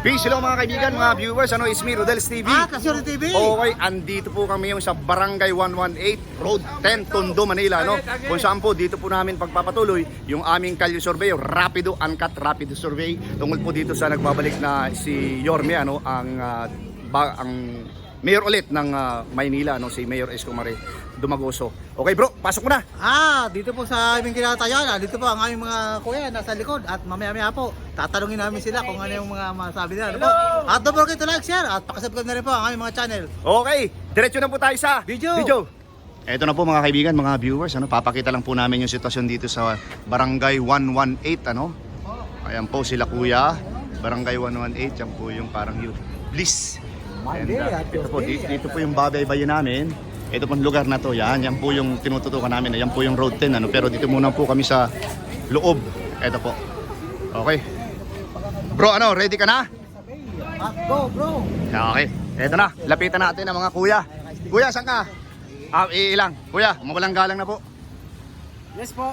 Peace, hello mga kaibigan, mga viewers. It's me, Rodel's TV. Kasuri TV. Okay, andito po kami yung sa Barangay 118, Road 10, Tondo, Manila, no? Kung saan po, dito po namin pagpapatuloy yung aming Kalye Survey, Rapido Uncut Rapid Survey. Tungkol po dito sa nagbabalik na si Yorme, ang mayor ulit ng Maynila, si Mayor Isko Mare Dumagoso. Okay bro, pasok mo na. Dito po sa aming kinatayan, dito po ang aming mga kuya nasa likod at mamaya-maya po tatanungin namin sila kung ano yung mga masabi nila. Ano po? At don't forget to like, share at pakisubscribe na rin po ang aming mga channel. Okay, diretso na po tayo sa Video. Ito na po mga kaibigan, mga viewers, papakita lang po namin yung sitwasyon dito sa Barangay 118, Ayan po sila kuya, Barangay 118, yan po yung parang youth bliss. And, ito po, dito po yung babaybayin namin. Ito pong lugar na to, yan po yung tinututukan namin. Yan po yung road 10, pero dito muna po kami sa loob. Ito po. Okay. Bro, ready ka na? Go bro. Okay. Ito na, lapitan natin ang mga kuya. Kuya, saan ka? Ilang. Kuya, mawalang galang na po. Yes po.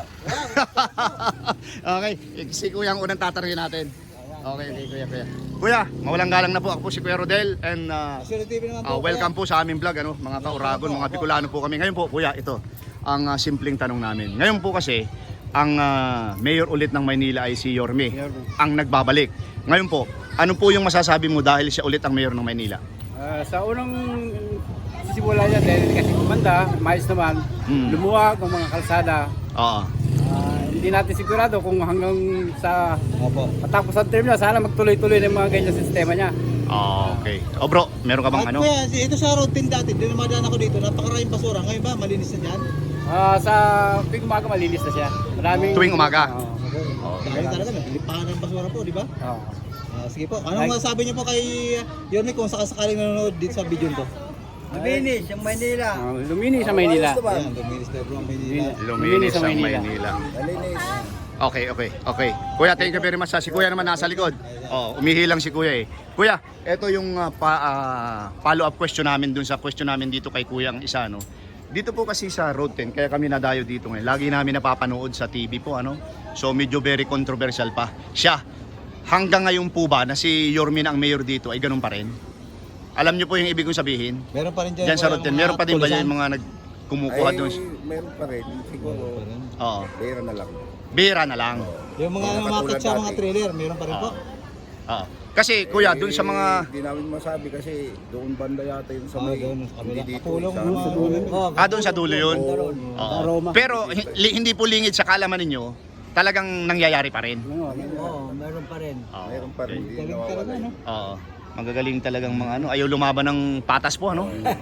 Okay, si kuya ang unang tatanungin natin. Okay, kuya. Kuya, mawalang galang na po. Ako po si Kuya Rodel and Kasuri TV naman po. welcome po sa aming vlog, mga kauragon, mga Bicolano po kami. Ngayon po, kuya, ito ang simpleng tanong namin. Ngayon po kasi, ang mayor ulit ng Maynila ay si Yorme, ang nagbabalik. Ngayon po, ano po yung masasabi mo dahil siya ulit ang mayor ng Maynila? Sa unang simula niya, dahil kasi kumanda, mais naman, lumuwag ang mga kalsada. Oo. Hindi natin sigurado kung hanggang sa patapos ang term niya, sana magtuloy-tuloy ng mga ganyan sistema niya. Okay. O bro, meron ka bang At kuya, ito sa road 10 dati, doon namadaan ako dito, napakaraming basura. Ngayon ba, malinis na dyan? Sa tuwing umaga malinis na siya. Tuwing umaga? Dahil talaga, naglipahan ng basura po, di ba? Oo. Sige po, anong masasabi niyo po kay Yorme kung sakasakaling nanonood dito sa video nito? Luminis ang Maynila. Luminis sa Maynila. Ayan, luminis na bro ang Maynila. Luminis sa ang Maynila. Maynila. Malinis. Okay. Kuya, thank you very much. Si kuya naman nasa likod. Umihilang si kuya eh. Kuya, ito yung follow-up question namin dun sa question namin dito kay kuya ang isa, Dito po kasi sa Road 10, kaya kami nadayo dito ngayon. Lagi namin napapanood sa TV po, So medyo very controversial pa. Siya, hanggang ngayon po ba na si Yorme na ang mayor dito ay ganun pa rin? Alam niyo po yung ibig kong sabihin? Meron pa rin dyan. Diyan sa Road 10, meron pa din ba yung mga kumukuha doon? Meron pa rin. Siguro, Oo. pera na lang. Bira na lang. Yung mga namakit sa mga trailer, meron pa rin po. Oo. Kasi kuya, doon sa mga Hindi namin masabi kasi doon banda yata yung sa may. Doon sa kabila. Hindi dito. Kapulong sa- mga dulo. doon sa dulo yun. Oo. Pero hindi po lingid sa kalaman ninyo, talagang nangyayari pa rin. Oo, meron pa rin. Oo. Meron pa rin. Hindi Galing talaga, nawawala. no? Oo. Magagaling talagang mga ayaw lumaban ng patas po,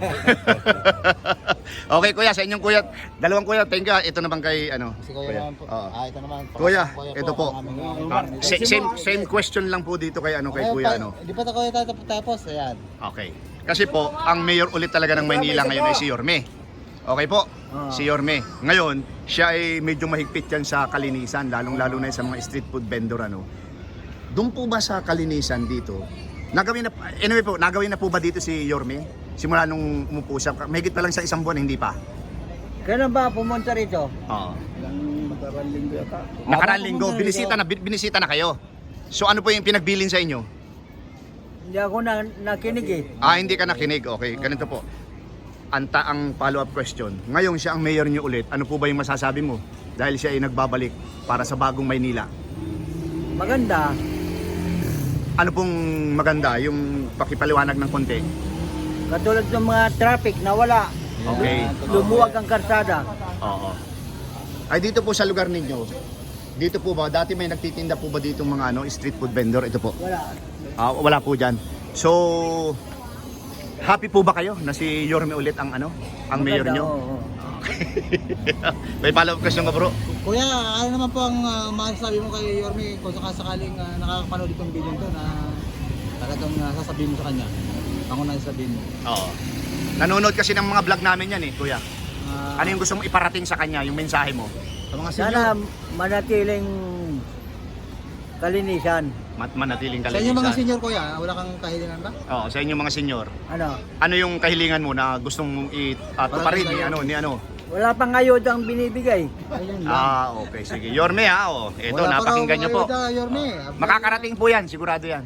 Okay kuya, sa inyong kuya, dalawang kuya, thank you. Ito naman kay Si Kuya naman po. Oo. Ito naman. Kuya, ito po. ang aming- Same question lang po dito kay kay kuya, Di pa tayo tapos, ayan. Okay. Kasi po, ang mayor ulit talaga ng Maynila ngayon ay si Yorme. Okay po, si Yorme. Ngayon, siya ay medyo mahigpit yan sa kalinisan, lalong-lalo na sa mga street food vendor, Doon po ba sa kalinisan dito, nagawin na po ba dito si Yorme? Simula nung umupo siya, mahigit pa lang sa isang buwan, hindi pa? Kailan ba pumunta rito? Oo. Nakaraan linggo yata. Nakaraan linggo, binisita na kayo. So ano po yung pinagbilin sa inyo? Hindi ako nakinig eh. Hindi ka nakinig. Okay, ganito po. Ang follow-up question. Ngayon siya ang mayor niyo ulit. Ano po ba yung masasabi mo? Dahil siya ay nagbabalik para sa bagong Maynila. Maganda. Ano pong maganda? Yung pakipaliwanag ng konti. Katulad ng mga traffic na wala. Okay. Lumuwag ang karsada. Oo. Ay dito po sa lugar ninyo. Dito po ba dati may nagtitinda po ba dito mga street food vendor? Ito po. Wala. Wala po diyan. So happy po ba kayo na si Yorme ulit ang mayor Maganda, niyo? oo. May follow-up question ka, bro? Kuya, ano naman po ang masasabi mo kay Yorme kung sakasakaling nakakapanood itong video to na talagang sasabihin mo sa kanya? Ako na sasabihin mo. Oo. Nanonood kasi ng mga vlog namin yan kuya. Ano yung gusto mong iparating sa kanya, yung mensahe mo? Sa mga senior. Sana manatiling kalinisan. Manatiling Sa kalinisan. inyo mga senior kuya, wala kang kahilingan ba? Oo, sa inyong mga senior. Ano? Ano yung kahilingan mo na gustong mong ituparin ni Wala pang ayod ang binibigay. Ayun lang. Okay, sige. Yorme Ito, Wala pa raw napakinggan nyo po. ayuda, Yorme. Makakarating po yan, sigurado yan.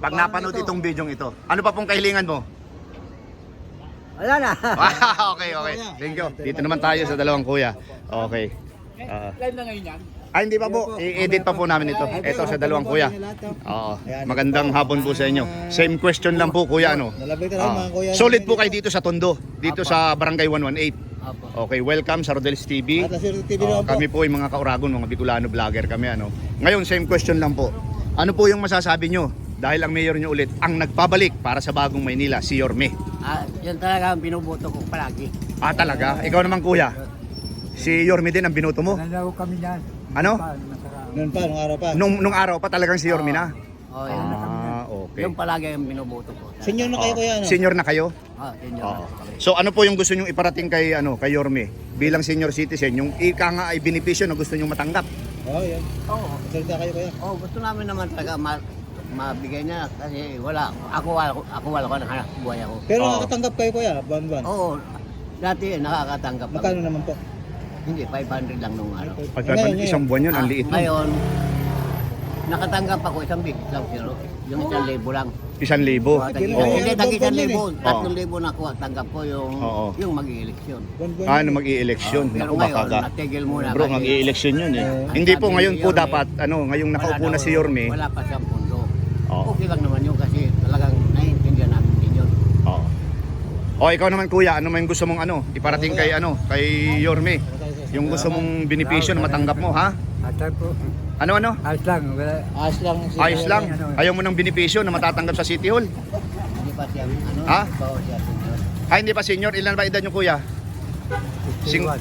Pag napanood itong video ito, ano pa pong kahilingan mo? Wala na. Okay. Thank you. Dito naman tayo sa dalawang kuya. Okay. Live na ngayon yan. Hindi pa po. I-edit pa po namin ito. Ito sa dalawang kuya. Oo. Magandang hapon po sa inyo. Same question lang po kuya, ano? Nalabay ka lang mga kuya. Solid po kayo dito sa Tondo, dito sa Barangay 118. Apo. Okay, welcome sa Rodel's TV. At Sir TV naman po. Kami po ay mga Kauragon, mga Bicolano vlogger kami, ano. Ngayon, same question lang po. Ano po yung masasabi nyo? Dahil ang mayor nyo ulit ang nagpabalik para sa bagong Maynila, si Yorme. Yan talaga ang binuboto ko palagi. Talaga? Ikaw naman kuya. Si Yorme din ang binoto mo? Nalaw kami yan. Ano? Noon pa, nung araw pa. Nung araw pa talagang si Yorme na? Oh, yan. Okay. Yung palagi ang binuboto ko. Senior na kayo kuya, ano? Senior na kayo? Yun yun. Oo. So ano po yung gusto nyong iparating kay Yorme bilang senior citizen, yung ika nga ay benepisyo na gusto nyong matanggap? Yan. Oo. Salita kayo kuya. Gusto namin naman talaga mabigay niya kasi wala ako na hanap buhay ako. Pero Oo. nakakatanggap kayo kuya, buwan-buwan. Oo. Dati nakakatanggap ako. Magkano naman po? Hindi 500 lang nung ano. Ngayon. Isang buwan yun, ang liit mo. Ngayon nakatanggap ako isang big lang pero yung 1,000 lang. 1,000. Oo. Oo. Hindi tagi 1,000. Oo. 3,000 na ako tanggap ko Oo. yung mag-eleksyon. Buwan-buwan. Mag-i-election. Pero Naku, ngayon baka natigil muna Bro, kasi mag-i-election yun eh. ang Hindi po sabi ngayon ni po Yorme, dapat, ngayong nakaupo wala na daw- si Yorme. Wala pa siyang pundo. Oo. Okay lang naman yun kasi talagang naiintindihan namin din yun. Oo. O ikaw naman kuya, ano man gusto mong iparating kay kay Yorme? Yung gusto mong benepisyo na matanggap mo, ha? Atay po. Ano? Ayos lang. Wala. Ayos lang. Ayos lang. Ayaw mo ng benepisyo na matatanggap sa City Hall? Hindi pa siya Ha? bawa siya senior. Hindi pa senior. Ilan ba edad nyo kuya? 61.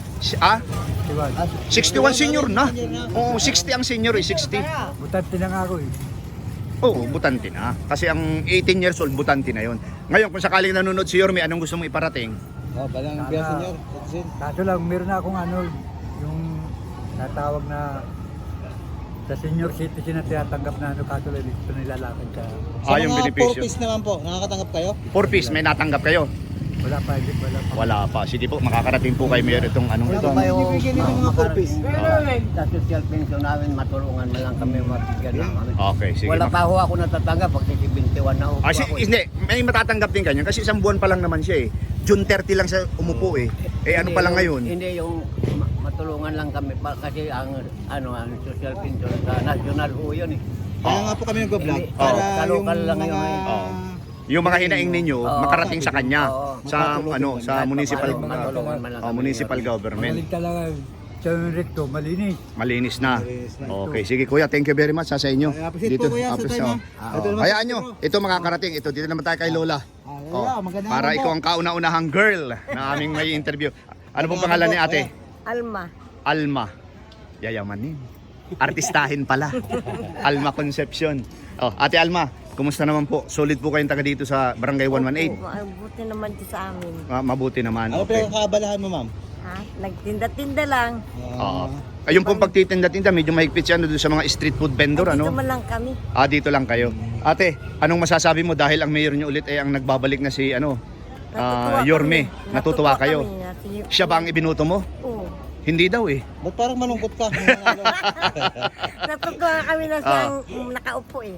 61 senior na. Oo, 60 ang senior eh, 60. Butante na nga ako eh. Oo, butante na. Kasi ang 18 years old, butante na yon. Ngayon, kung sakaling nanonood si Yorme, anong gusto mong iparating? Balang biya senior. Kaso lang, meron na akong yung natawag na sa senior citizen na tinatanggap na kaso lang dito nilalakad sa Yung mga benepisyo. 4-piece naman po, nakakatanggap kayo? 4 piece, may natanggap kayo? wala pa. Wala pa. Sige po, makakarating po kayo meron itong Wala ito. pa kayo bibigyan nito mga 4-piece. Sa social pension namin, matulungan man lang kami mabigyan na kami. Okay, sige. Wala pa ho ako natatanggap pag 21 na upo ako. Hindi, may matatanggap din kanya kasi isang buwan pa lang naman siya eh. June 30 lang siya umupo eh. Ano pa lang ngayon? Hindi yung matulungan lang kami pa kasi ang social pension sa national ho yun eh. Kaya nga po kami nag-vlog Hindi. para Sa yung local lang yun, mga... Yung mga hinaing ninyo Oo. makarating sa kanya sa Makatulong sa municipal Matulungan man lang kami. municipal government. Magaling talaga. Sa recto, malinis. Malinis na. Malinis na. Okay, sige kuya, thank you very much sa inyo. Appreciate po kuya sa appreciate, time, oh. Ito naman Hayaan po, nyo, bro. ito makakarating. Ito, dito naman tayo kay Lola. Lola, magandang Para hapon ikaw po. ang kauna-unahang girl na aming may interview. Ano pong pangalan ni ate? Alma. Alma. Yayamanin. Artistahin pala. Alma Concepcion. Ate Alma, kumusta naman po? Solid po kayong taga dito sa Barangay 118? Mabuti naman din sa amin. Mabuti naman. Ano Okay. pinakakabalahan mo, ma'am? Ha? Nagtinda-tinda lang. Oo. Ayun pong pagtitinda-tinda, medyo mahigpit siya doon sa mga street food vendor, Dito ano? man lang kami. Dito lang kayo. Ate, anong masasabi mo dahil ang mayor niyo ulit ay ang nagbabalik na si Yorme? kami. Natutuwa kayo? Kami. Siya ba ang ibinuto mo? Oo. Hindi daw eh. Ba't parang malungkot ka? Natutuwa kami na siyang nakaupo eh.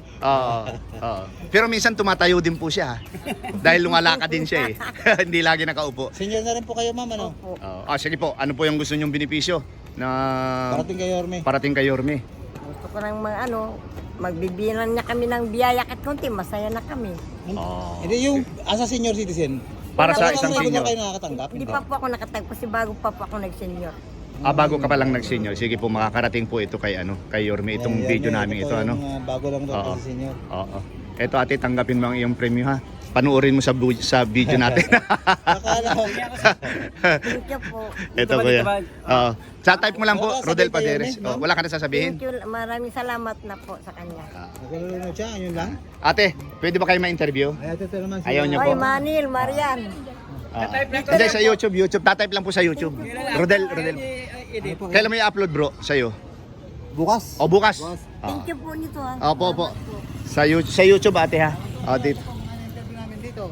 Pero minsan tumatayo din po siya. Dahil lumalakad din siya eh. Hindi lagi nakaupo. Senior na rin po kayo, ma'am, ano? Opo. Sige po, ano po yung gusto niyong benepisyo na Parating kay Yorme. parating kay Yorme? Gusto ko nang magbibilan niya kami ng biyaya kahit konti, masaya na kami. Hindi yung asa senior citizen. Para sa Wala isang bang senior. kayo nakakatanggap? Hindi pa po ako nakatagpo kasi bago pa po ako nag-senior. Bago ka pa lang nag-senior. Sige po, makakarating po ito kay kay Yorme itong Ayan, video yan, namin ito yung, bago lang daw Oo. kasi senior. Oo. Ito ate, tanggapin mo ang iyong premyo ha. Panuorin mo sa video natin. Akala ko. Thank you po. Ito kuya. Oo. Sa type mo lang po, Wala ka Rodel sabihin kay Paderes. Yorme, ma'am? Wala ka na sasabihin? Thank you. Maraming salamat na po sa kanya. Nagulunod siya, yun lang. Ate, pwede ba kayo ma-interview? Ay, ito naman si Ayaw niyo po. Oy, Manil, Marian. Hindi, sa YouTube. Tatype lang po sa YouTube. Rodel. Kailan mo i-upload bro? Sa'yo? Bukas. O bukas? Thank you po nito ha. Opo. Sa YouTube ate ha? Dito. namin dito.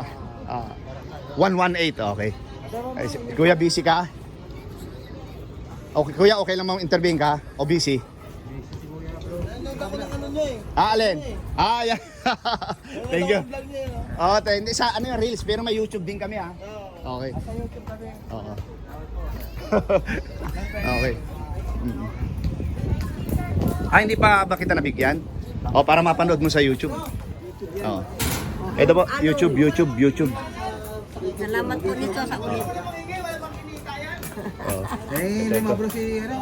118, okay. Ay, kuya, busy ka? Okay, kuya, okay lang intervene ka? O busy? Ano niya eh? Alin? Yan. Thank you. Oo, hindi sa ano yung reels, pero may YouTube din kami ha. Okay. Sa YouTube kami. Oo. Okay. Mm. Hindi pa ba kita nabigyan? O, para mapanood mo sa YouTube. Oo. Ito po, YouTube. Salamat po nito sa ulit. Oo. Lima bro si ano.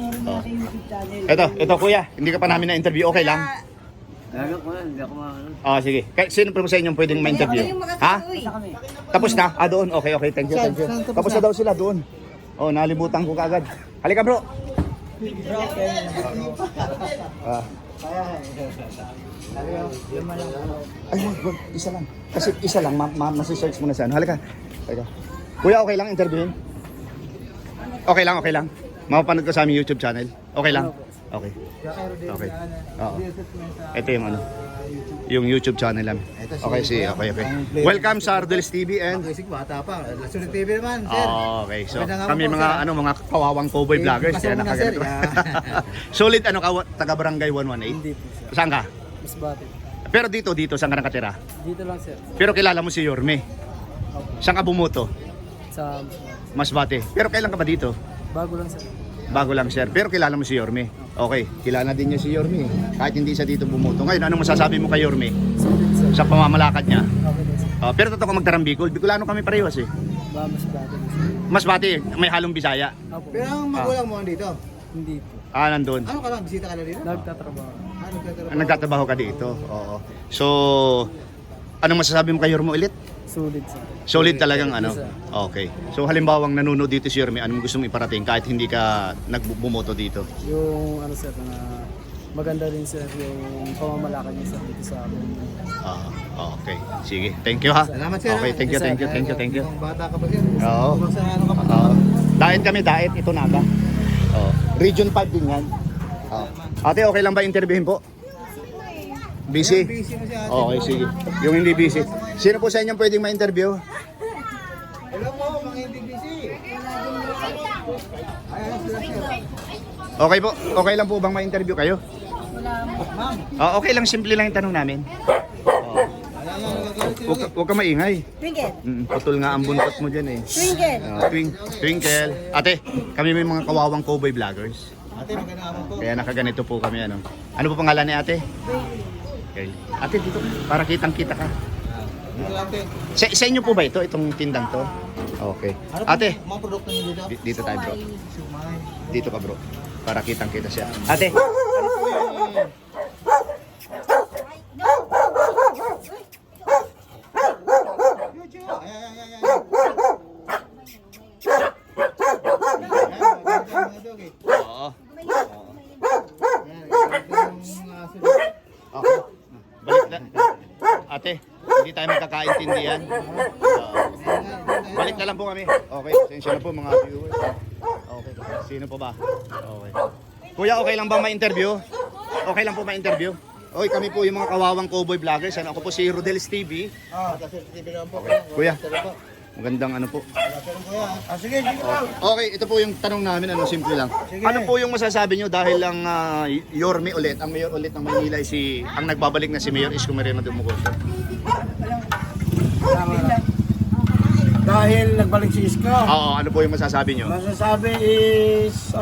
Ito kuya, hindi ka pa namin na-interview, okay lang? Ano ko, hindi ako Sige. Sino pa sa inyong pwedeng ma-interview? Ha? Tapos na? Doon. Okay. Thank you. Tapos na daw sila doon. Nalibutan ko kaagad. Halika bro. Wag. Isa lang. Kasi isa lang, masisearch mo na sa ano. Halika. Kuya, okay lang interviewin? Okay lang. Mapapanood ko sa aming YouTube channel. Okay lang? Okay. Okay. Oo. Ito yung ano. Yung YouTube channel namin. Okay. Welcome sa Ardelis TV and Isig bata pa. Sulit TV naman, sir. okay. So Magandang hapon kami po, mga sir. mga kawawang cowboy vloggers pasok yan muna, sir. nakaganito. Solid taga Barangay 118. Hindi po, sir. Saan ka? Masbate. Pero dito saan ka nakatira? Dito lang, sir. Pero kilala mo si Yorme. Saan ka bumuto? Sa Masbate. Pero kailan ka ba dito? bago lang, sir. Bago lang sir. Pero kilala mo si Yorme. Okay, kilala din niya si Yorme. Kahit hindi siya dito bumuto. Ngayon, anong masasabi mo kay Yorme Sulit, sir. sa pamamalakad niya? Okay din, sir. Pero totoo ka magdarang Bicol. Bicolano kami parehas eh. Masbate din, sir. Masbate, may halong Bisaya. Opo. Pero ang magulang mo dito. Hindi po. Nandun. Ano ka lang, bisita ka na dito? Nagtatrabaho. Nagtatrabaho ka dito. Oo. So, anong masasabi mo kay Yorme ulit? Sulit, sir. Solid talagang ano? Yes, sir. Okay. So halimbawang nanonood dito si Yorme, anong gusto mong iparating kahit hindi ka nagbumoto dito? Yung ano, sir, na maganda rin, sir, yung pamamalakad niya, sir, dito sa amin. Okay. Sige. Thank you ha. Salamat, sir. Okay, thank you. Ang bata ka pa, sir. Oo. Sa ano ka pa? Diet kami, ito naga. Region 5 din yan. Ate, okay lang ba interviewin po? Busy? Busy mo siya. Okay, sige. Yung hindi busy. Sino po sa inyo pwedeng ma-interview? Hello po, mga hindi busy. Ayun sila, sir. Okay po. Okay lang po bang ma-interview kayo? Ma'am. Okay lang, simple lang yung tanong namin. Huwag ka maingay. Twinkle. Putol nga ang buntot mo dyan eh. Twinkle. Twinkle. Ate, kami may mga kawawang cowboy vloggers. Ate, magandang hapon po. Kaya nakaganito po kami ano. Ano po pangalan ni ate? Okay. Ate, dito para kitang-kita ka. Dito lang, ate. Sa inyo po ba ito? Itong tindang to? Okay. Ano po Ate, mga produkto niyo dito? dito tayo bro. Sumay. Dito ka bro. Para kitang-kita siya. Ate, oo. Okay. Balik na. Ate, hindi tayo magkakaintindihan. Balik na lang po kami. Okay, sensya na po mga viewers. Okay, sino po ba? Okay. Kuya, okay lang bang ma-interview? Okay lang po ma-interview? Okay, kami po yung mga kawawang cowboy vloggers. Ako po si Rodel's TV. Kasi TV lang po. Kuya, magandang ano po. Sige, sige lang. Okay, ito po yung tanong namin, simple lang. Ano po yung masasabi nyo dahil lang Yorme ulit, ang mayor ulit ng Maynila ay ang nagbabalik na si Mayor Isko Moreno Dumugoso? Dahil nagbalik si Isko, Oo, ano po yung masasabi nyo? masasabi is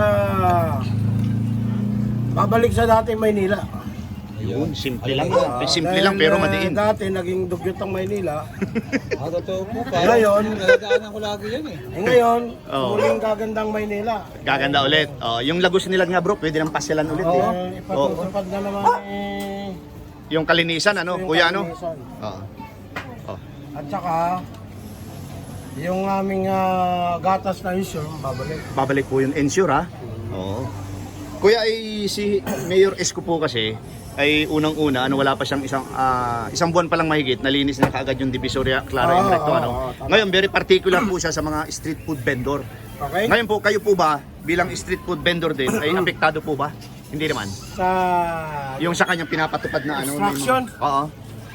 babalik sa dating Maynila. Yun, simple lang. Simple lang pero madiin. Dati naging dugyot ang Maynila. Totoo po. Ngayon, Nagdaanan ko lagi yan eh. ngayon, Oo. muling gagandang Maynila. Gaganda ulit. Yung Lagos nila nga bro, pwede nang pasyalan ulit eh. Ipatutupad na naman Yung kalinisan, ano? yung Kuya, ano? kalinisan. Oo. At saka, yung aming gatas na issue, babalik. Babalik po yung ensure ha. Oo. Kuya, ay si Mayor Isko po kasi ay unang-una, wala pa siyang isang buwan pa lang mahigit, nalinis na kaagad yung Divisoria Clara and Recto, tama. Ngayon, very particular po siya sa mga street food vendor. Okay? Ngayon po, kayo po ba, bilang street food vendor din, ay apektado po ba? Hindi naman. Sa Yung sa kanyang pinapatupad na Instruction? Oo.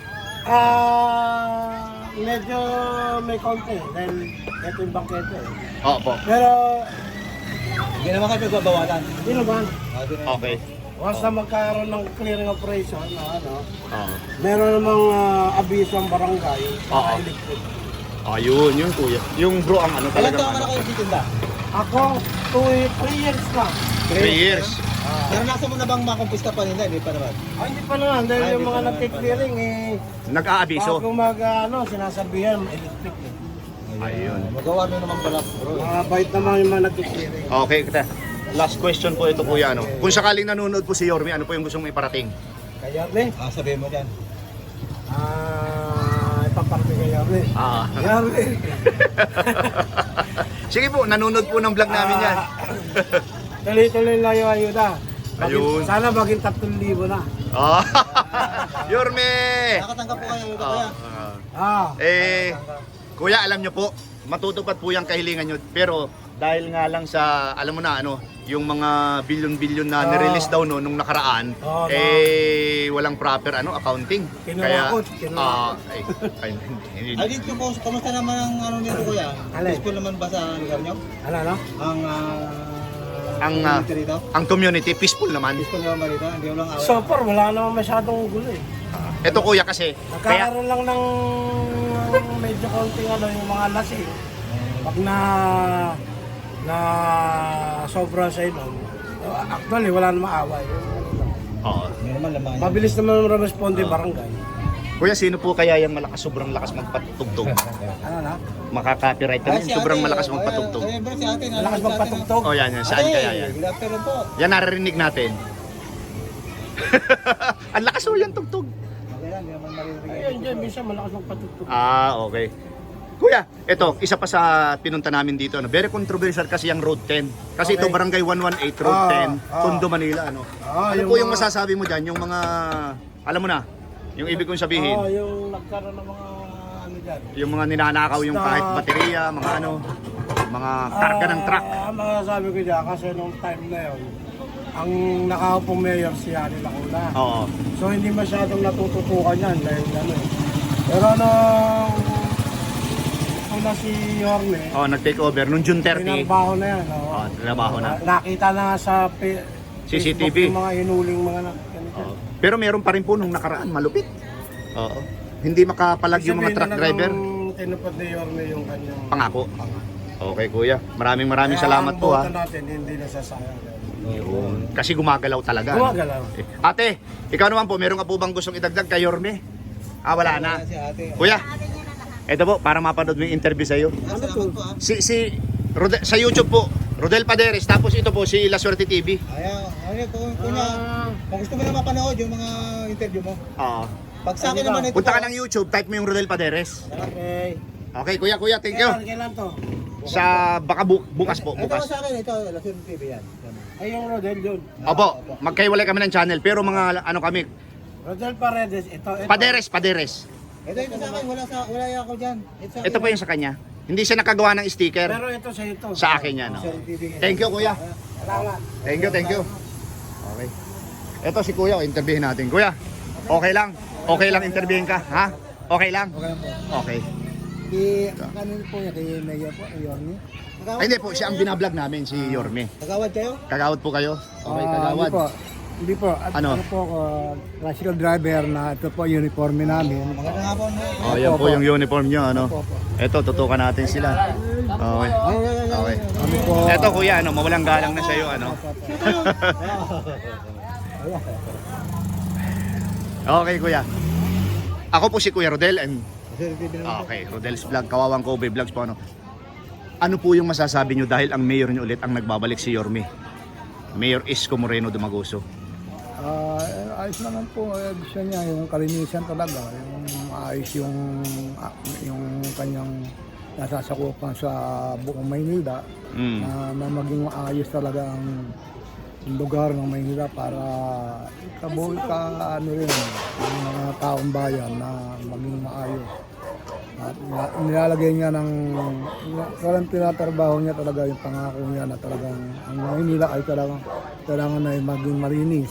medyo may konti dahil ito yung bangkete. Oo po. Pero, Hindi naman kayo nagbabawalan. hindi naman. Okay. Once na magkaroon ng clearing operation na ano, Oo. meron namang abiso ang barangay Oo. electric. Ayun, yun kuya. Yung bro ang ano Ilan talaga. taon ka na kayo titinda? Ako, 3 years na. 3 years. Naranasan mo na bang makumpista pa nila? Hindi pa naman. Hindi pa naman, dahil Ay, yung hindi mga pa naman nagki-clearing Nag-aabiso. bago sinasabihan, electric eh. Ayun. Magawa nyo naman pala bro. Mga bait naman yung mga nagki-clearing. Okay, kita. Last question po ito kuya. Ano? Kung sakaling nanonood po si Yorme, ano po yung gusto mong iparating? Kaya, ne? Sabihin mo dyan. Ipaparte kaya, ne? Yarme. Sige po, nanonood po ng vlog namin yan. Tuloy-tuloy lang yung ayuda. Ayun. Sana maging 3,000 na. Ah, Yorme! Nakatanggap po kayo ito kaya. Kuya, alam nyo po, matutupad po yung kahilingan nyo. Pero dahil nga lang sa, alam mo na, yung mga bilyon-bilyon na nirelease daw nung nakaraan, walang proper accounting. Kinurakot. Ay dito po, kamusta naman ang nito kuya? Alin? Peaceful naman ba sa lugar nyo? Ano? Community rito? Ang community, peaceful naman. Peaceful naman ba rito? Hindi mo lang away? So far, wala naman masyadong gulo eh. Ito kuya kasi, kaya, Nagkakaroon lang ng medyo konting yung mga lasing. Pag na sobra sa ilong, actually wala namang away. Oo. Hindi naman laman. Mabilis naman responde barangay. Kuya, sino po kaya yung sobrang lakas magpatugtog? Ano na? Makaka-copyright na yun, sobrang malakas magpatugtog. Bro, si ate. Malakas magpatugtog. Oh, yan. Saan kaya yan? Good afternoon po. Yan, naririnig natin. Ang lakas o yan, tugtog. Okay lang, hindi naman maririnig. Ayun, dyan, minsan malakas magpatugtog. Okay. Kuya, ito, isa pa sa pinunta namin dito. Very controversial kasi yung Road 10. Kasi ito, Barangay 118, Road 10, Tondo, Manila. Ano po yung masasabi mo dyan? Yung mga, alam mo na, yung ibig kong sabihin. Yung nagkaroon ng mga dyan. Yung mga ninanakaw, yung kahit baterya, mga mga karga ng truck. Ang masasabi ko dyan, kasi nung time na yun, ang nakaupong mayor si Ani Lacuna. Oo. So hindi masyadong natututukan yan dahil Pero una si Yorme, Nag-take over nung June 30. tinarbaho na yan. Trabaho na. Nakita na sa CCTV. Facebook yung mga hinuling mga ganito. Pero meron pa rin po nung nakaraan, malupit. Oo. Hindi makapalag yung mga truck driver. Tinupad ni Yorme yung kanyang Pangako. Okay kuya, maraming salamat po ha. Ang boto natin hindi nasasayang. Yun. Kasi gumagalaw talaga. Gumagalaw. Ate, ikaw naman po, meron ka po bang gustong idagdag kay Yorme? Wala na. Si ate. Kuya, ito po, para mapanood mo yung interview sa'yo. Salamat po. Sa YouTube po, Rodel Paderes, tapos ito po si La Suerte TV. Kung gusto mo na mapanood yung mga interview mo. Oo. Pag sa akin naman ito. Punta ka ng YouTube, type mo yung Rodel Paderes. Okay. Okay, kuya, thank you. Kailan to? Sa baka bukas po, Ito bukas. sa akin, ito, Lasur TV yan. Ay, yung Rodel yun. Opo, magkaiwalay kami ng channel, pero mga kami, Rodel Paredes, ito. Paderes. Ito sa akin, wala ako dyan. Ito po yung sa kanya. Hindi siya nakagawa ng sticker. Pero ito sa ito. Sa akin yan. Lasur TV. Thank you, kuya. Salamat. Thank you. Okay. Ito si kuya, interviewin natin. Kuya, okay lang? Okay lang interviewin ka, ha? Okay lang? Okay. Kanino po niya, kay Mayor po, Yorme? Ay, hindi po, siya ang binablog namin, si Yorme. Kagawad kayo? Kagawad po kayo? Okay, kagawad. Hindi po. At Ano? ano po ako, tricycle driver na ito po uniforme namin. Magandang hapon. Oh, yan po yung uniform nyo, ano? Ito, tutukan natin sila. Okay. Okay. Ito kuya, mawalang galang na sa'yo, ano? Okay, kuya. Ako po si Kuya Rodel and okay, Rodel's Vlog, Kawawang Kobe Vlogs po, ano? Ano po yung masasabi nyo dahil ang mayor nyo ulit ang nagbabalik si Yorme? Mayor Isko Moreno Dumaguso. Ayos naman po, gusto niya yung kalinisan talaga, yung ayos yung kanyang nasasakupan sa buong Maynila, na maging maayos talaga ang lugar ng Maynila para ano rin yung mga taong bayan na maging maayos. At nilalagay niya parang tinatrabaho niya talaga yung pangako niya na talagang ang Maynila ay talagang na maging malinis.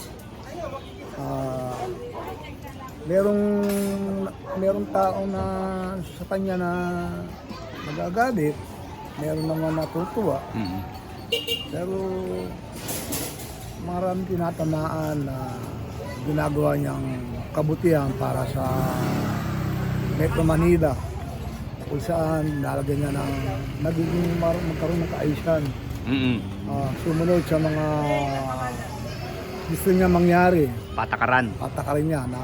Merong tao na sa kanya na nagagalit, meron naman natutuwa. Pero maraming tinatamaan na ginagawa niyang kabutihan para sa Metro Manila, kung saan nalagyan niya ng nagiging magkaroon ng kaayusan. Sumunod sa mga gusto niya mangyari, Patakaran. patakarin niya na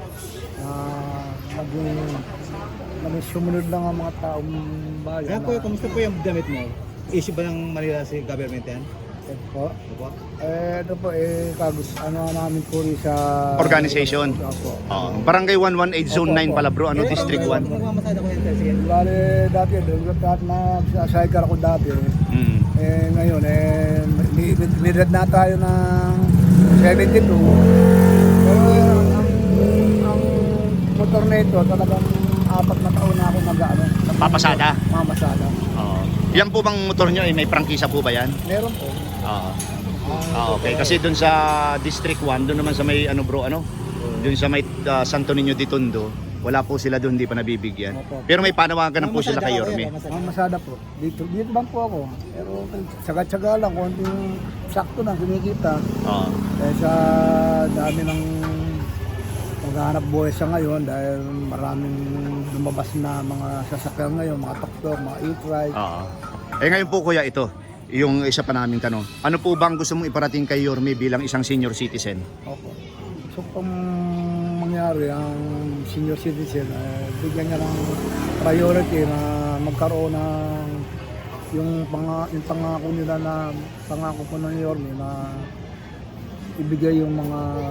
maging sumunod lang ang mga taong bayan. Kaya po, kamusta po yung damit mo? Issue ba ng Manila si government yan? Po. Opo. Ito po, namin po rin sa Organization. Opo. Barangay 118 Zone 9 pala bro, ano, District 1. Magmamasada ko yan, sige. Bale, dati, dahil nag-cycle ako dati. Ngayon, nilad na tayo ng 72. Pero ang motor na ito, talagang 4 na taon na ako Papasada. mamasada. Yan po bang motor nyo, may prangkisa po ba yan? Meron po. Okay. Kasi dun sa District 1, dun naman sa may dun sa may Santo Niño de Tondo, wala po sila dun, hindi pa nabibigyan. Opo. Pero may panawagan na po sila kay Yorme. Mamasada po. Dito lang po ako. Pero tsaga-tsaga lang, konting sakto na kinikita. Sa dami ng maghahanap buhay sa ngayon dahil maraming lumabas na mga sasakyan ngayon, mga tuktok, mga e-trike. Ngayon po kuya, ito, yung isa pa naming tanong. Ano po bang gusto mong iparating kay Yorme bilang isang senior citizen? Opo. So kung mangyari ang senior citizen, bigyan niya ng priority na magkaroon ng yung pangako nila na pangako po ng Yorme na ibigay yung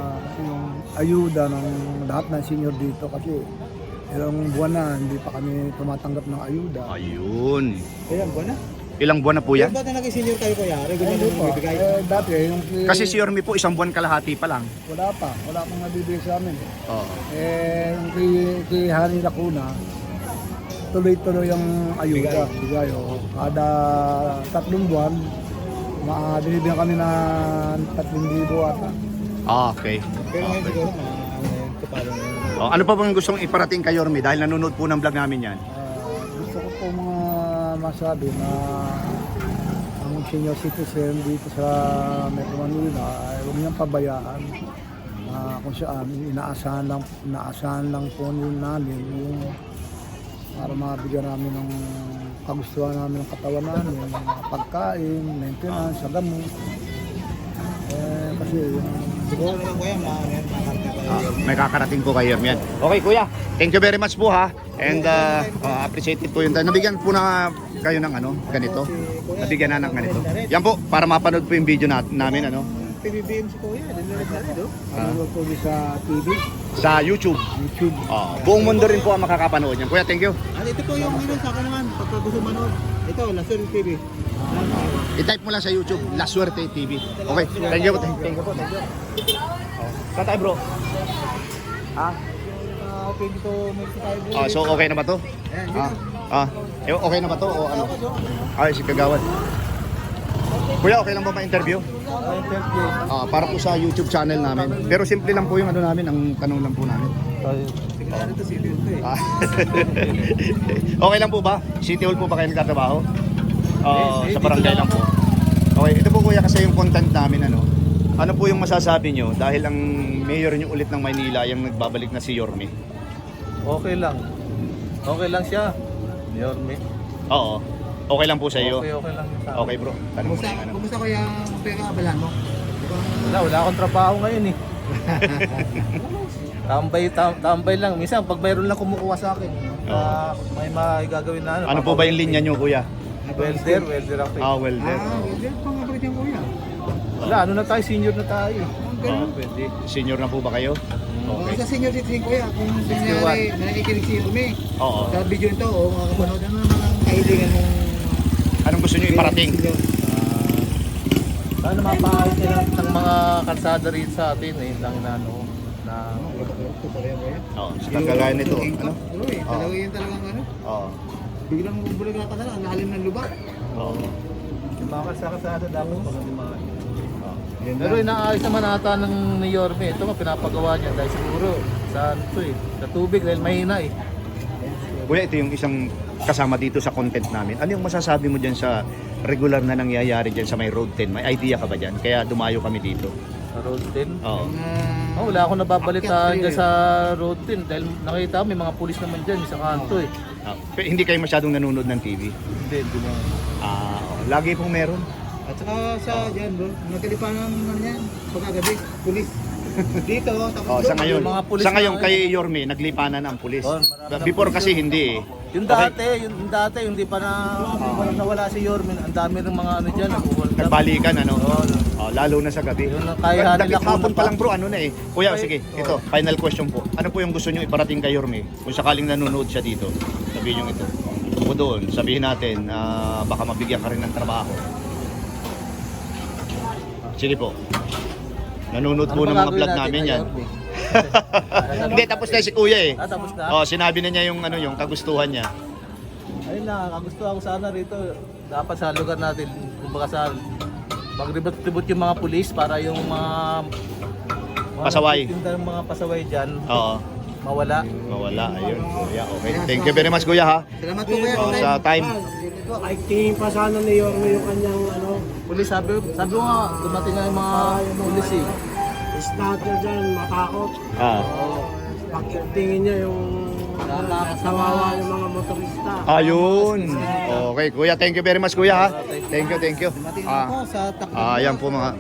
ayuda ng lahat ng senior dito kasi ilang buwan na hindi pa kami tumatanggap ng ayuda. Ayun. Ayan, buwan na. Ilang buwan na po yan? Ba't na naging senior kayo kuya? Regular Hindi na po. bibigay. Dati yung Kasi si Yorme po, isang buwan kalahati pa lang. wala pang nabibigay sa amin. Oo. Yung kay Hani Lacuna, tuloy-tuloy yung ayuda. Bigay. Kada 3 buwan, binibigyan kami ng 3,000 ata. Okay. Pero ngayon Okay. siguro kapalo na. Ano pa bang gustong iparating kay Yorme dahil nanonood po ng vlog namin yan? Gusto ko po masabi na ang senior citizen dito sa Metro Manila ay huwag niyang pabayaan kung saan inaasahan lang po namin yung para mabigyan namin ng kagustuhan namin ng katawan namin, mga pagkain, maintenance, sa gamot. Kasi Siguro na lang kuya, makakarte pa kayo. May kakarating po kay Yorme yan. Okay kuya, thank you very much po ha. And appreciated po yun. Nabigyan po na kayo ng ganito. Nabigyan na ng ganito. Yan po, para mapanood po yung video namin PBBM si kuya, dinilag na rin ano po sa TV, sa YouTube. YouTube. Buong mundo rin po ang makakapanood yan. Kuya, thank you. At ito po yung sa akin naman, pagka gusto manood. Ito, Lasur TV. I-type mo lang sa YouTube, La Suerte TV. Okay, thank you po. Thank you po. Saan tayo bro? Okay, dito may tayo bro. So okay na ba to? Ayan, Okay na ba to o ano? Ay, si Kagawad. Kuya, okay lang ba ma-interview? Para po sa YouTube channel namin. Pero simple lang po yung namin, ang tanong lang po namin. Sigurado ito city ito eh. Okay lang po ba? City Hall po ba kayo nagtatrabaho? Sa barangay lang po. Okay, ito po kuya kasi yung content namin ano po yung masasabi nyo dahil ang mayor nyo ulit ng Maynila yung nagbabalik na si Yorme? Okay lang. Okay lang siya. Yorme. Oo. Okay lang po sa iyo? Okay lang sa Okay bro. Tanong mo Kumusta, na yung kumusta kuya ang pera abalan mo? Wala akong trabaho ngayon eh. Tambay lang. Minsan pag mayroon lang kumukuha sa akin, may magagawin na Ano po ba yung linya nyo kuya? Welder ako. Welder. Welder pa nga pala yung kuya. Wala, ano na tayo, senior na tayo. Pwede. Senior na po ba kayo? Okay. Sa senior citizen kuya, kung kunyari nakikinig si Yorme, Oo. sa video nito, mga kapanood, ano naman ang kahilingan mong Anong gusto nyo iparating? Sana mapahayos nila ng mga kalsada rin sa atin eh, lang na Sa kagaya nito. Ano? Talaga yun talagang ano, Oo. biglang bulag na pala, ang lalim ng lubak. Oo. yung mga kalsada dapat pag-alimahan. Pero inaayos naman ata ng ni Yorme. Ito nga pinapagawa niya dahil siguro sa tubig dahil mahina eh. Kuya, ito yung isang kasama dito sa content namin. Ano yung masasabi mo dyan sa regular na nangyayari dyan sa may Road 10? May idea ka ba dyan? Kaya dumayo kami dito. Sa Road 10. Oo. Oh, wala akong nababalitaan dyan sa Road 10 dahil nakita ko may mga pulis naman dyan sa kanto eh. Hindi kayo masyadong nanonood ng TV? Hindi na. Lagi pong meron. At saka sa dyan bro, natilipanan naman yan. Pagkagabi, pulis. Dito, tapos Sa ngayon, Yung mga pulis sa ngayon na- kay Yorme, naglipanan ang pulis. Oh, marami Before ng kasi hindi eh. Yung dati, yung dati, yung di pa na nawala si Yormin, ang dami ng mga ano dyan, Nagbalikan ano. Oo. Lalo na sa gabi. Yun ang kaya nila Hapon kung pa lang bro, ano na eh. Kuya, sige, ito, final question po. Ano po yung gusto nyo iparating kay Yorme? Kung sakaling nanonood siya dito, sabihin nyo ito. O doon, sabihin natin, baka mabigyan ka rin ng trabaho. Sige po. Nanonood po ng mga vlog namin yan. Hindi, tapos na si kuya eh. Tapos na? Sinabi na niya yung ano yung kagustuhan niya. Ayun na, kagusto ako sana rito. Dapat sa lugar natin, kumbaga sa magribot-ribot yung mga pulis para yung mga Pasaway. Yung mga pasaway dyan, Oo. mawala. Mawala, ayun. Kuya, okay. Thank you very much kuya ha. Salamat po kuya. Sa time. Ay, tingin pa sana ni Yorme yung kanyang Pulis, sabi ko nga, dumating nga yung mga pulis eh. starter dyan, matakot. Pag tingin niya yung kawawa yung mga motorista. Ayun. Okay, kuya, thank you very much kuya ha. Thank you. Ako sa takbo. Ayan po mga.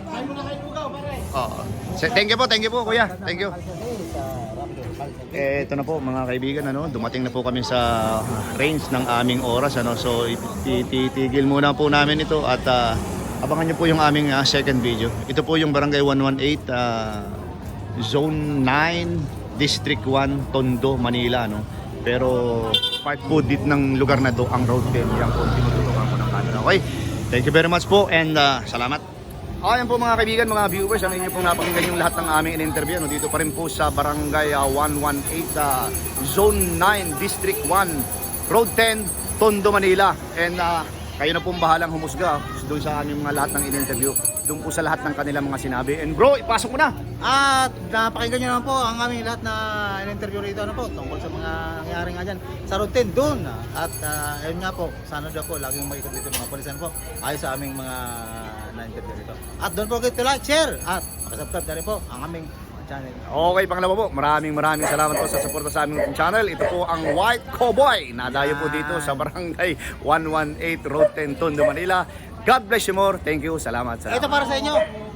Thank you po kuya. Thank you. Ito na po mga kaibigan, dumating na po kami sa range ng aming oras, so titigil muna po namin ito at abangan nyo po yung aming second video. Ito po yung Barangay 118, Zone 9, District 1, Tondo, Manila, pero part po dit ng lugar na to ang Road 10. Yan po tinututukan ko ng camera. Okay, thank you very much po and salamat. Ayan po mga kaibigan, mga viewers, ang inyo pong napakinggan yung lahat ng aming in-interview. Dito pa rin po sa Barangay 118, Zone 9, District 1, Road 10, Tondo, Manila. And kayo na pong bahalang humusga doon sa aming mga lahat ng in-interview. Doon po sa lahat ng kanilang mga sinabi. And bro, ipasok mo na! At napakinggan nyo naman po ang aming lahat na in-interview rito tungkol sa mga nangyari nga dyan sa Road 10 doon. At ayun nga po, sana dyan po laging makikita dito mga polisan po ayos sa aming mga na-interview rito. At don't forget to like, share at makasubscribe na rin po ang aming channel. Okay, pangalawa po, maraming salamat po sa suporta sa aming channel. Ito po ang White Cowboy. Nadayo po dito sa Barangay 118, Road 10, Tondo, Manila. God bless you more. Thank you. Salamat. Ito para sa inyo.